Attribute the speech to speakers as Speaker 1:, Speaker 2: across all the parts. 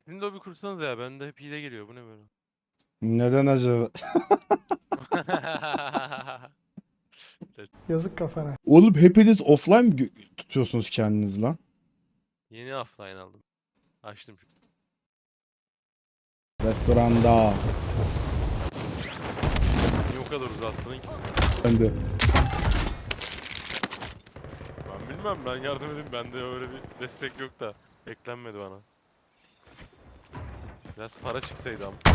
Speaker 1: Sizin de bir kursanız ya. Bende hep hile geliyor. Bu ne böyle?
Speaker 2: Neden acaba?
Speaker 3: Yazık kafana.
Speaker 2: Oğlum hepiniz offline mi tutuyorsunuz kendinizi lan?
Speaker 1: Yeni offline aldım. Açtım.
Speaker 2: Restoranda.
Speaker 1: Niye o kadar uzattın ki?
Speaker 2: Ben de.
Speaker 1: Ben bilmem, ben yardım edeyim. Bende öyle bir destek yok da. Eklenmedi bana. Biraz para çıksaydı ama.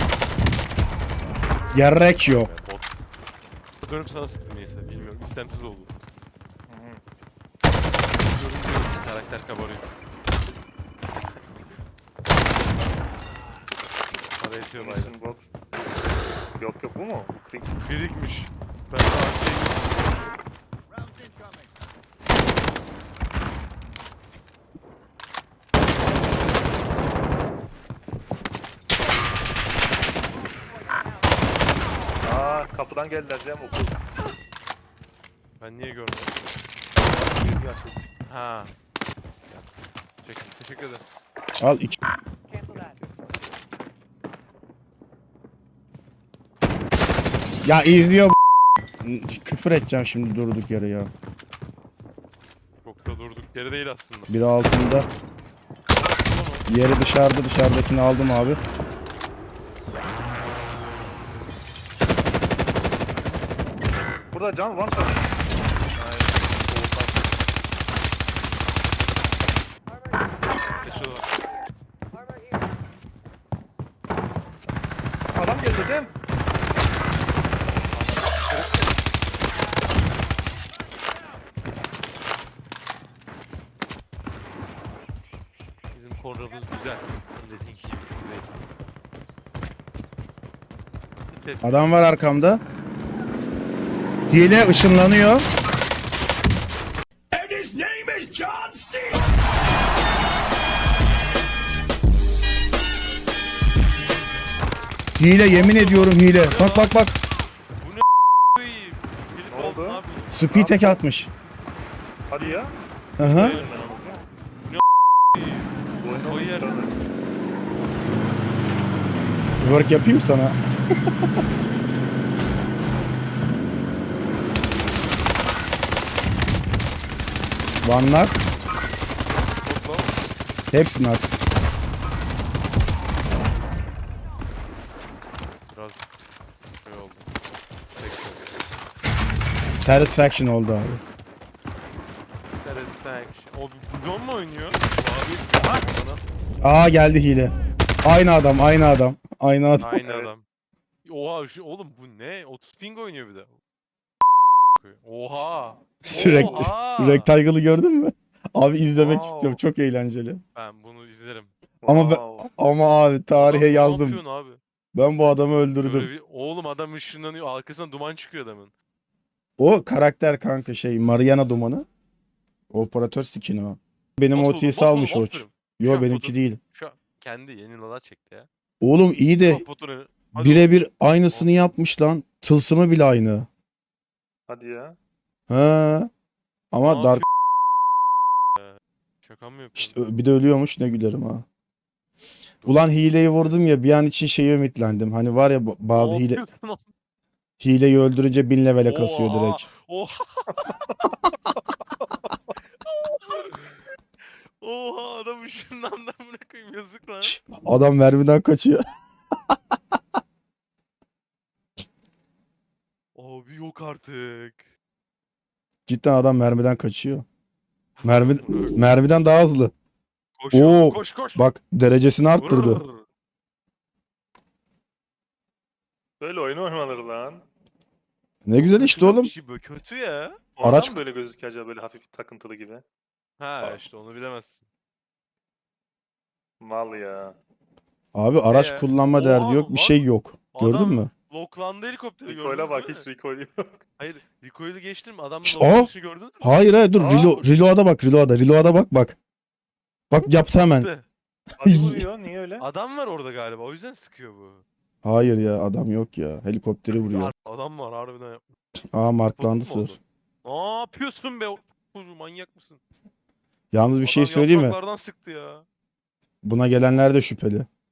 Speaker 2: Gerek yok.
Speaker 1: Bot. Dönüp sana sıktım neyse, bilmiyorum. İstemsiz oldu. Görünce karakter kabarıyor. Para yetiyor bayram.
Speaker 4: Mission bot. Yok yok bu mu? Bu krik.
Speaker 1: Birikmiş. Ben daha şey...
Speaker 4: Aa kapıdan geldiler Cem okul.
Speaker 1: Ben niye görmedim?
Speaker 4: Girdi açıldı.
Speaker 1: Ha. Teşekkür ederim.
Speaker 2: Al iki. Ya izliyor küfür edeceğim şimdi durduk yere ya.
Speaker 1: Çok da durduk yere değil aslında.
Speaker 2: Biri altında. Yeri dışarıdakini aldım abi.
Speaker 4: Burada can var mı?
Speaker 1: Geçiyorlar.
Speaker 4: Adam geldi Cem.
Speaker 1: Bizim kornamız güzel. Dediğin gibi değil.
Speaker 2: Adam var arkamda. Hile ışınlanıyor. Hile yemin ediyorum hile. Bak bak bak.
Speaker 1: Koyayım. Gelip
Speaker 4: Ne oldu?
Speaker 1: aldın abi.
Speaker 2: Speed tek atmış.
Speaker 4: Hadi ya.
Speaker 2: Aha.
Speaker 4: Bu oyunda
Speaker 1: Koy yersin.
Speaker 2: Work yapayım sana. Vanlar.
Speaker 1: Hopla.
Speaker 2: Hepsini at.
Speaker 1: Biraz şey oldu. Peki.
Speaker 2: Satisfaction oldu abi.
Speaker 1: Satisfaction. O bidon mu oynuyor? Abi. Ha? Bana.
Speaker 2: Aa geldi hile. Aynı adam, aynı adam. Aynı adam.
Speaker 1: Aynı
Speaker 4: Evet.
Speaker 1: adam. Oha oğlum bu ne? 30 ping oynuyor bir de. Oha.
Speaker 2: Sürekli.
Speaker 1: Oha.
Speaker 2: Rectangle'ı gördün mü? Abi izlemek
Speaker 4: Wow.
Speaker 2: istiyorum. Çok eğlenceli.
Speaker 1: Ben bunu izlerim.
Speaker 2: Ama
Speaker 4: Wow.
Speaker 2: ama abi tarihe
Speaker 1: Adam, ne
Speaker 2: yazdım.
Speaker 1: yapıyorsun abi?
Speaker 2: Ben bu adamı
Speaker 1: Böyle
Speaker 2: öldürdüm.
Speaker 1: bir, oğlum adam ışınlanıyor. Arkasından duman çıkıyor adamın.
Speaker 2: O karakter kanka şey Mariana Dumanı. Operatör skin'i o. Benim
Speaker 1: Bot
Speaker 2: OT'si
Speaker 1: buldum, bot
Speaker 2: almış
Speaker 1: buldum,
Speaker 2: o.
Speaker 1: bot buldum.
Speaker 2: Yo
Speaker 1: Şu an
Speaker 2: benimki
Speaker 1: botu-
Speaker 2: değil.
Speaker 1: Şu an kendi yeni lala çekti ya.
Speaker 2: Oğlum iyi de
Speaker 1: Bak botunu. Hadi
Speaker 2: birebir aynısını yapmış lan. Tılsımı bile aynı.
Speaker 4: Hadi ya.
Speaker 2: Ha. Ama
Speaker 1: Ne
Speaker 2: Dark
Speaker 1: şaka mı yapıyorsun?
Speaker 2: işte bir de ölüyormuş ne gülerim ha. Ulan hileyi vurdum ya bir an için şeyi ümitlendim. Hani var ya bazı
Speaker 1: Ne
Speaker 2: hile
Speaker 1: yapıyorsun oğlum?
Speaker 2: hileyi öldürünce 1000 levele kasıyor
Speaker 1: Oha,
Speaker 2: direkt.
Speaker 1: Oha. Oha adam ışınlandı amına koyayım yazık lan.
Speaker 2: Adam mermiden kaçıyor.
Speaker 1: Abi yok artık.
Speaker 2: Cidden adam mermiden kaçıyor. Mermiden daha hızlı.
Speaker 1: Koş
Speaker 2: Oo,
Speaker 1: koş koş.
Speaker 2: Bak derecesini arttırdı.
Speaker 1: Vurur.
Speaker 4: Böyle oyun oynanır lan.
Speaker 2: Ne güzel işte
Speaker 1: Kötü
Speaker 2: oğlum.
Speaker 1: bir şey böyle, kötü ya.
Speaker 4: Oradan
Speaker 2: Araç-
Speaker 4: mı böyle gözüküyor acaba böyle hafif takıntılı gibi?
Speaker 1: Ha işte onu bilemezsin.
Speaker 4: Mal ya.
Speaker 2: Abi araç
Speaker 1: Ee,
Speaker 2: kullanma derdi
Speaker 1: oha,
Speaker 2: yok, bir
Speaker 1: bak.
Speaker 2: şey yok. Gördün
Speaker 1: Adam
Speaker 2: mü?
Speaker 1: Loklandı helikopteri gördünüz
Speaker 4: Recoil'a bak
Speaker 1: değil
Speaker 4: hiç
Speaker 1: mi?
Speaker 4: recoil yok.
Speaker 1: Hayır recoil'i geçtim adamın
Speaker 2: Şşt,
Speaker 1: loklanışını gördünüz mü?
Speaker 2: Hayır hayır dur
Speaker 4: Aa.
Speaker 2: reload'a bak reload'a bak bak. Bak yaptı hemen.
Speaker 1: Sıktı.
Speaker 4: Hadi vuruyor niye öyle?
Speaker 1: Adam var orada galiba o yüzden sıkıyor bu.
Speaker 2: Hayır ya adam yok ya. Helikopteri vuruyor.
Speaker 1: Adam var harbiden yapmış.
Speaker 2: Aa marklandı
Speaker 1: Fotoğraf mı
Speaker 2: sır.
Speaker 1: oldu? Ne yapıyorsun be? Çocuğu manyak mısın?
Speaker 2: Yalnız bir şey
Speaker 1: Adam
Speaker 2: söyleyeyim mi?
Speaker 1: yapraklardan sıktı ya.
Speaker 2: Buna gelenler de şüpheli.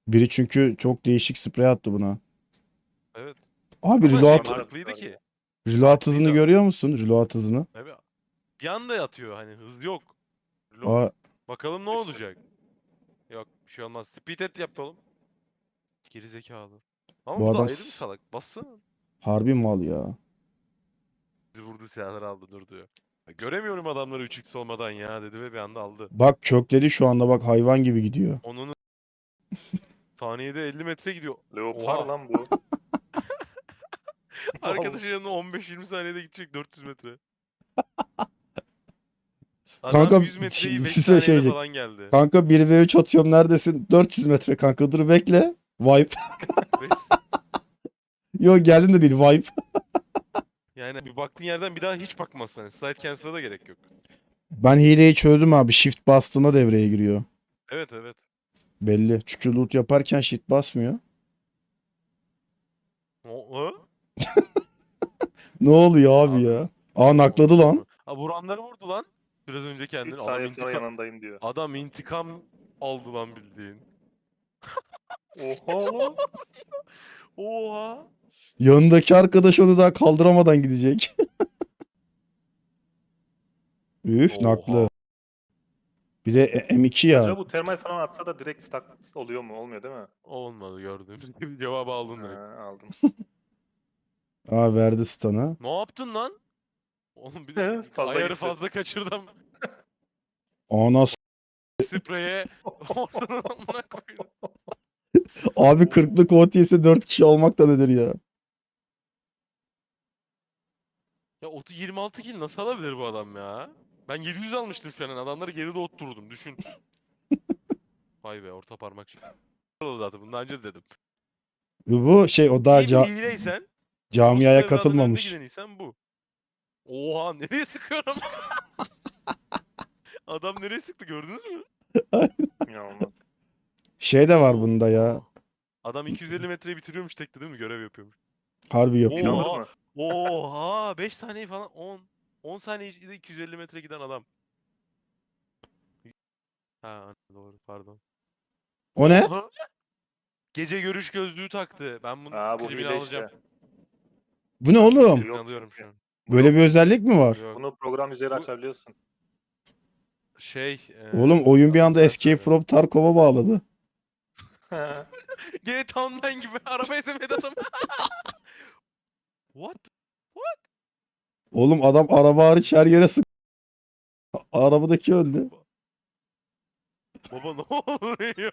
Speaker 2: Biri çünkü çok değişik sprey attı buna.
Speaker 1: Evet.
Speaker 2: Abi
Speaker 1: Ama
Speaker 2: reload,
Speaker 1: marklıydı ki.
Speaker 2: reload hızını
Speaker 1: marklıydı.
Speaker 2: görüyor musun? Reload hızını.
Speaker 1: Abi, bir anda yatıyor hani hız yok.
Speaker 2: Aa,
Speaker 1: Bakalım ne olacak. Yok bir şey olmaz. Speed et yapalım. Geri zekalı. Ama
Speaker 2: bu
Speaker 1: bu da
Speaker 2: adam
Speaker 1: ayrı bir salak. Bassana.
Speaker 2: harbi mal ya.
Speaker 1: Bizi vurdu silahları aldı dur diyor. Ya göremiyorum adamları 3x olmadan ya dedi ve bir anda aldı.
Speaker 2: Bak kökledi şu anda, bak hayvan gibi gidiyor.
Speaker 1: Onun saniyede 50 metre gidiyor.
Speaker 4: Leopar
Speaker 1: Oha.
Speaker 4: lan bu.
Speaker 1: Arkadaşın yanına 15-20 saniyede gidecek 400 metre. Adam
Speaker 2: Kanka
Speaker 1: 100 metreyi 5
Speaker 2: size
Speaker 1: saniyede
Speaker 2: şeycek.
Speaker 1: falan geldi.
Speaker 2: Kanka 1v3 atıyorum, neredesin? 400 metre kanka, dur bekle. Wipe.
Speaker 1: 5
Speaker 2: Yok geldim de değil, wipe.
Speaker 1: yani bir baktığın yerden bir daha hiç bakmazsın. Yani slide cancel'a da gerek yok.
Speaker 2: Ben hileyi çözdüm abi. Shift bastığında devreye giriyor.
Speaker 1: Evet evet.
Speaker 2: Belli. Çünkü loot yaparken shift basmıyor.
Speaker 1: O,
Speaker 2: Ne oluyor abi
Speaker 1: abi,
Speaker 2: ya? Aa nakladı lan.
Speaker 1: Ha vuranları vurdu lan. Biraz önce
Speaker 4: 3
Speaker 1: kendini.
Speaker 4: saniye sonra yanındayım diyor.
Speaker 1: Adam intikam aldı lan bildiğin.
Speaker 4: Oha oğlum.
Speaker 1: Oha.
Speaker 2: Yanındaki arkadaş onu daha kaldıramadan gidecek. Üf naklı.
Speaker 1: Oha.
Speaker 2: Bir de M2 ya.
Speaker 4: Acaba bu termal falan atsa da direkt stack oluyor mu? Olmuyor değil mi?
Speaker 1: Olmadı gördüğüm gibi cevabı aldın
Speaker 4: Ha,
Speaker 1: direkt.
Speaker 4: aldım.
Speaker 2: Aa verdi stun'ı.
Speaker 1: Ne yaptın lan? Oğlum bir de
Speaker 4: Fazla
Speaker 1: ayarı
Speaker 4: gitti.
Speaker 1: fazla kaçırdım.
Speaker 2: Ana
Speaker 1: Spreye ortadan amına koydum.
Speaker 2: abi 40'lık OTS'e 4 kişi almak da nedir ya?
Speaker 1: Ya 26 kill nasıl alabilir bu adam ya? Ben 700 almıştım şu an. Adamları geride otturdum. Düşün. Vay be orta parmak şey. Oldu zaten. Bundan önce de dedim.
Speaker 2: Bu şey, o daha
Speaker 1: İyi bir hileysen,
Speaker 2: camiaya
Speaker 1: orospu evladın önde
Speaker 2: katılmamış.
Speaker 1: gideniysen bu. Oha nereye sıkıyorum? Adam nereye sıktı gördünüz mü?
Speaker 4: İnanılmaz.
Speaker 2: Şey de var bunda ya.
Speaker 1: Oha. Adam 250 metreyi bitiriyormuş tekte değil mi? Görev yapıyormuş.
Speaker 2: Harbi yapıyor.
Speaker 4: İnanır
Speaker 1: Oha.
Speaker 4: mı?
Speaker 1: Oha. 5 saniye falan 10 saniyede 250 metre giden adam. Ha doğru pardon.
Speaker 2: O ne?
Speaker 1: Oha. Gece görüş gözlüğü taktı. Ben bunun
Speaker 4: Aa bu
Speaker 1: klibini
Speaker 4: hile
Speaker 1: alacağım.
Speaker 4: işte.
Speaker 2: Bu ne
Speaker 4: Bu
Speaker 2: oğlum?
Speaker 1: Klibini
Speaker 4: yok
Speaker 1: alıyorum
Speaker 4: çünkü.
Speaker 1: şu an.
Speaker 2: Böyle bir özellik mi var?
Speaker 1: Yok.
Speaker 4: Bunu program üzeri
Speaker 1: Bu-
Speaker 4: açabiliyorsun.
Speaker 1: Şey.
Speaker 2: Oğlum oyun bir
Speaker 1: adını
Speaker 2: anda
Speaker 1: sen
Speaker 2: Escape
Speaker 1: söyle.
Speaker 2: from Tarkov'a bağladı.
Speaker 1: GTA Online gibi araba ezemedi adam. What?
Speaker 2: Oğlum adam araba hariç her yere sık. Arabadaki öldü.
Speaker 1: Baba ne oluyor?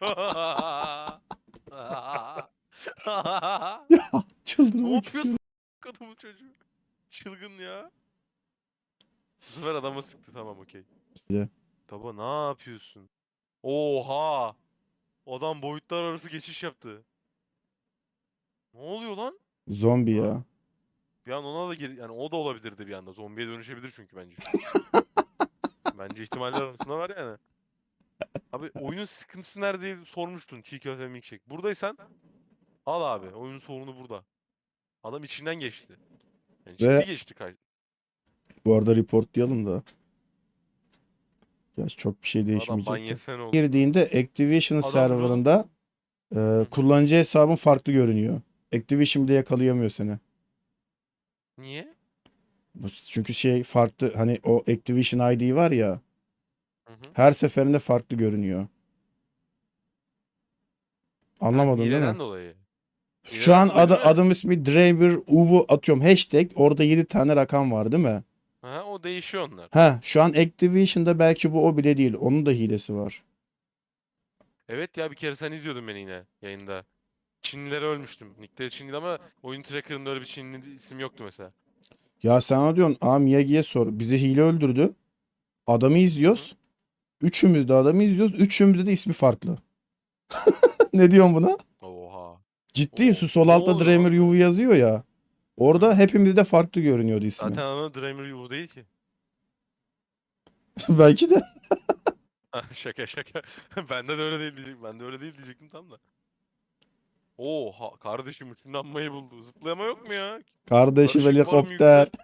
Speaker 1: Ne
Speaker 2: Çıldırmak
Speaker 1: yapıyorsun
Speaker 2: istiyorum.
Speaker 1: kadının çocuğu? Çılgın ya. Bu sefer adama sıktı tamam okey.
Speaker 2: Ya.
Speaker 1: Baba ne yapıyorsun? Oha! Adam boyutlar arası geçiş yaptı. Ne oluyor lan?
Speaker 2: Zombi
Speaker 1: Ha.
Speaker 2: ya.
Speaker 1: Bir an ona da yani o da olabilirdi bir anda. Zombiye dönüşebilir çünkü bence. Bence ihtimaller arasında var yani. Abi oyunun sıkıntısı nerede diye sormuştun çiğ köfte milkshake. Buradaysan al abi. Oyunun sorunu burada. Adam içinden geçti. Yani
Speaker 2: Ve
Speaker 1: ciddi geçti
Speaker 2: bu arada reportlayalım da. Gerçi çok bir şey
Speaker 1: adam ban
Speaker 2: değişmeyecek de.
Speaker 1: yesen oldu.
Speaker 2: Girdiğinde Activision
Speaker 1: Adam dur oğlum.
Speaker 2: serverında
Speaker 1: Hı.
Speaker 2: kullanıcı hesabın farklı görünüyor. Activision bile yakalayamıyor seni.
Speaker 1: Niye?
Speaker 2: Çünkü şey farklı, hani o Activision ID var ya,
Speaker 1: Hı hı.
Speaker 2: her seferinde farklı görünüyor. Anlamadın değil mi?
Speaker 1: Hileden dolayı.
Speaker 2: Şu
Speaker 1: Hileden
Speaker 2: an
Speaker 1: dolayı değil mi?
Speaker 2: adım ismi Draver Uvu atıyorum hashtag, orada 7 tane rakam var değil mi?
Speaker 1: Ha, o değişiyor onlar.
Speaker 2: Ha şu an Activision'da belki bu o bile değil. Onun da hilesi var.
Speaker 1: Evet ya bir kere sen izliyordun beni yine yayında. Çinlilere ölmüştüm. Nickleri Çinliydi ama oyun tracker'ında öyle bir Çinli isim yoktu mesela.
Speaker 2: Ya sen ona diyorsun, aa Miyagi'ye sor. Bizi hile öldürdü. Adamı
Speaker 1: Hı hı.
Speaker 2: izliyoruz. Üçümüz de adamı izliyoruz. Üçümüzde de ismi farklı. Ne diyorsun buna?
Speaker 1: Oha.
Speaker 2: Ciddiyim, şu sol
Speaker 1: Ne
Speaker 2: altta
Speaker 1: oluyor
Speaker 2: Dramer
Speaker 1: lan?
Speaker 2: Uvu yazıyor ya.
Speaker 1: Hı
Speaker 2: Orada
Speaker 1: hı.
Speaker 2: hepimizde de farklı görünüyordu ismi.
Speaker 1: Zaten ana Dreamer Yuvu değil ki.
Speaker 2: Belki de.
Speaker 1: Ha, şaka şaka. Bende de öyle değil diyecek. Bende öyle değil diyecektim tam da. Oha kardeşim ışınlanmayı buldu. Zıplayama yok mu ya?
Speaker 2: Kardeşim
Speaker 1: Karışık var mı
Speaker 2: helikopter.
Speaker 1: yükler?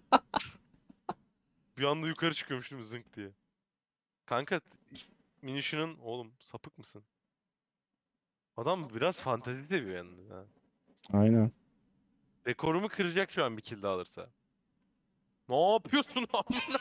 Speaker 1: Bir anda yukarı çıkıyormuştum zınk diye. Kanka minişinin oğlum sapık mısın? Adam biraz fantezi seviyor yalnız ha.
Speaker 2: Aynen.
Speaker 1: Rekorumu kıracak şu an bir kill daha alırsa. Ne yapıyorsun amına?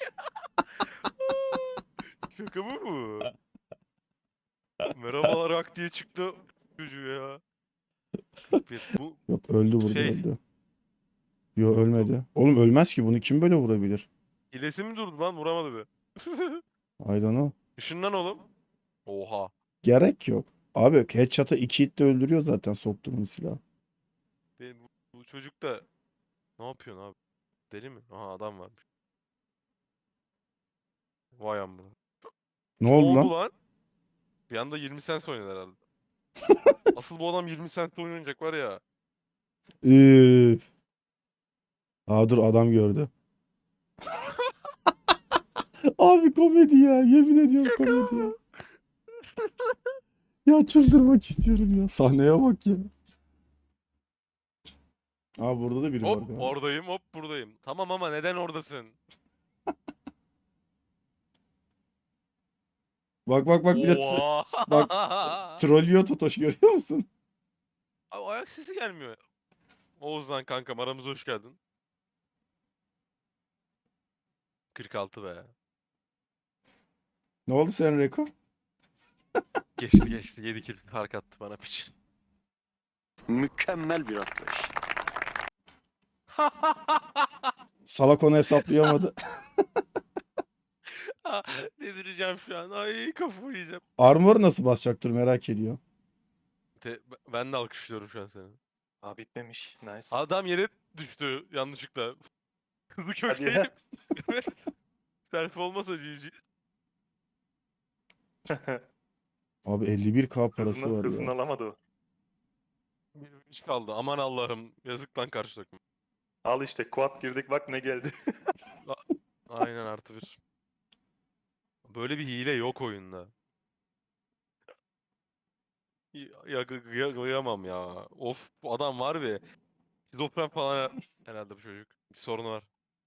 Speaker 1: Şaka mı bu? Merhabalar hak diye çıktı çocuğu ya. Bu
Speaker 2: Yok öldü burada
Speaker 1: şey
Speaker 2: öldü. Yo ölmedi. Oğlum ölmez ki bunu kim böyle vurabilir?
Speaker 1: hilesi mi durdu lan vuramadı be.
Speaker 2: I don't know.
Speaker 1: Işından oğlum. Oha.
Speaker 2: Gerek yok. Abi headshot'a 2 hit de öldürüyor zaten soktuğum silah.
Speaker 1: Bu çocuk da ne yapıyorsun abi? Deli mi? Aha adam varmış. Vay amına.
Speaker 2: Ne
Speaker 1: Ne
Speaker 2: oldu
Speaker 1: oldu
Speaker 2: lan?
Speaker 1: lan? Bir anda 20 cent oynadı herhalde. Asıl bu adam 20 cent oynayacak var ya.
Speaker 2: Üf. Aa dur adam gördü. Abi komedi ya. Yemin ediyorum komedi ya. Ya çıldırmak istiyorum ya. Sahneye bak ya. Aa burada da biri var
Speaker 1: Hop
Speaker 2: galiba.
Speaker 1: oradayım hop buradayım. Tamam ama neden oradasın?
Speaker 2: Bak bak bak bir de
Speaker 1: Oha.
Speaker 2: bak trollüyor Totoş görüyor musun?
Speaker 1: Abi ayak sesi gelmiyor. Oğuzhan kankam aramıza hoş geldin. 46 be.
Speaker 2: Ne oldu senin rekor?
Speaker 1: Geçti 7 kill fark attı bana piç.
Speaker 3: Mükemmel bir atlayış.
Speaker 2: Salak onu hesaplayamadı.
Speaker 1: Delireceğim şu an. Ay kafayı yiyeceğim.
Speaker 2: Armor nasıl basacaktır merak ediyor.
Speaker 1: Ben de alkışlıyorum şu an seni.
Speaker 4: Aa bitmemiş. Nice.
Speaker 1: Adam yere düştü yanlışlıkla. Kızı
Speaker 4: Hadi
Speaker 1: kökleyip.
Speaker 4: ya.
Speaker 1: Evet. Selfie olmasa GG.
Speaker 2: Abi 51k parası
Speaker 4: Hızını,
Speaker 2: var
Speaker 4: hızını
Speaker 2: ya.
Speaker 4: alamadı o.
Speaker 1: Bir iş kaldı. Aman Allah'ım. Yazık lan karşı takım.
Speaker 4: Al işte quad girdik bak ne geldi.
Speaker 1: Aynen artı bir. Böyle bir hile yok oyunda. Kıyamam ya. Of bu adam var be. Şizofren falan herhalde bu çocuk. Bir sorunu var.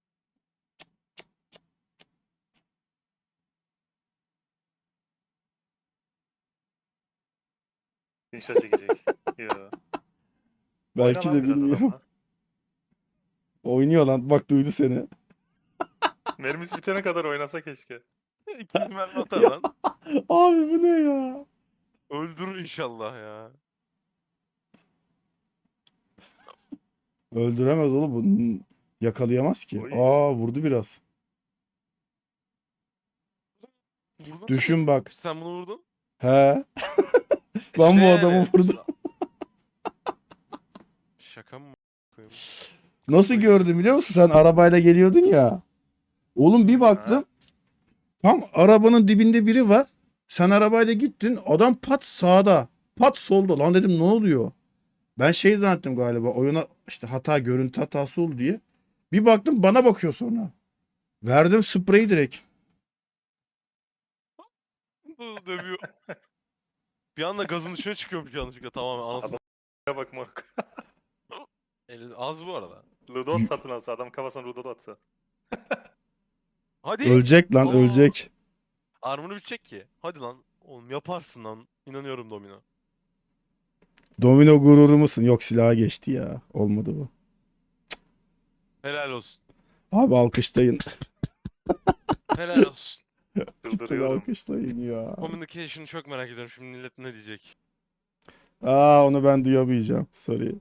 Speaker 4: İnşa çekecek. Yo.
Speaker 2: Belki
Speaker 4: Oyna lan
Speaker 2: de
Speaker 4: biraz
Speaker 2: bilmiyorum.
Speaker 4: adamla.
Speaker 2: Oynuyor lan. Bak duydu seni.
Speaker 4: Mermisi bitene kadar oynasa keşke.
Speaker 1: İkinci mermi atar
Speaker 2: Ya.
Speaker 1: lan.
Speaker 2: Abi bu ne ya?
Speaker 1: Öldürür inşallah ya.
Speaker 2: Öldüremez oğlum. Bu yakalayamaz ki.
Speaker 4: Oy.
Speaker 2: Aa vurdu biraz.
Speaker 1: Vurdun
Speaker 2: Düşün
Speaker 1: sen.
Speaker 2: bak.
Speaker 1: Sen bunu vurdun.
Speaker 2: He. Ben bu
Speaker 1: Ne
Speaker 2: adamı
Speaker 1: yani?
Speaker 2: vurdum.
Speaker 1: Şaka mı? koyayım?
Speaker 2: Nasıl gördüm biliyor musun? Sen arabayla geliyordun ya. Oğlum bir baktım. Tam arabanın dibinde biri var. Sen arabayla gittin. Adam pat sağda. Pat solda. Lan dedim ne oluyor? Ben şey zannettim galiba. Oyuna işte hata görüntü hatası oldu diye. Bir baktım bana bakıyor sonra. Verdim spreyi direkt.
Speaker 1: Dövüyor. Bir anda gazın dışına çıkıyormuş yanlışlıkla tamamen anasını.
Speaker 4: Ya bak moruk.
Speaker 1: Az bu arada.
Speaker 4: Ludot satın alsa adam kafasına Ludot atsa.
Speaker 1: Hadi.
Speaker 2: Ölecek lan
Speaker 1: Aa.
Speaker 2: ölecek.
Speaker 1: Armor'u bitecek ki. Hadi lan. Oğlum yaparsın lan. İnanıyorum Domino.
Speaker 2: Domino gururu musun? Yok silaha geçti ya. Olmadı bu.
Speaker 1: Helal olsun.
Speaker 2: Abi alkışlayın.
Speaker 1: Helal olsun.
Speaker 2: Cidden
Speaker 4: Çıldırıyorum.
Speaker 2: alkışlayın ya.
Speaker 1: Communication'ı çok merak ediyorum. Şimdi millet ne diyecek?
Speaker 2: Aa onu ben duyamayacağım. Sorry.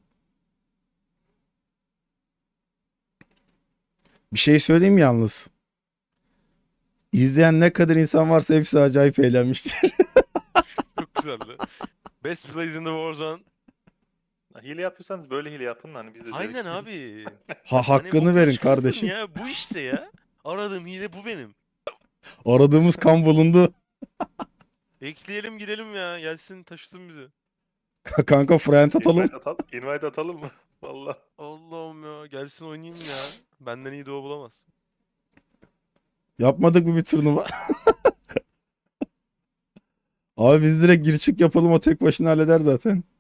Speaker 2: Bir şey söyleyeyim mi yalnız. İzleyen ne kadar insan varsa hepsi acayip eğlenmiştir.
Speaker 1: Çok güzeldi. Best played in the Warzone.
Speaker 4: Hile yapıyorsanız böyle hile yapın hani biz de
Speaker 1: Aynen
Speaker 4: zevk-
Speaker 1: abi.
Speaker 2: Ha
Speaker 1: Hani
Speaker 2: hakkını
Speaker 1: bokunu
Speaker 2: verin
Speaker 1: çıkartın
Speaker 2: kardeşim.
Speaker 1: Ya. Bu işte ya. Aradığım hile bu benim.
Speaker 2: Aradığımız kan bulundu.
Speaker 1: Ekleyelim girelim ya. Gelsin taşısın bizi.
Speaker 2: Kanka friend atalım.
Speaker 4: Invite atalım mı? Valla.
Speaker 1: Allah'ım ya. Gelsin oynayayım ya. Benden iyi doğu bulamaz.
Speaker 2: Yapmadık mı bir turnuva? Abi biz direkt gir çık yapalım o tek başına halleder zaten.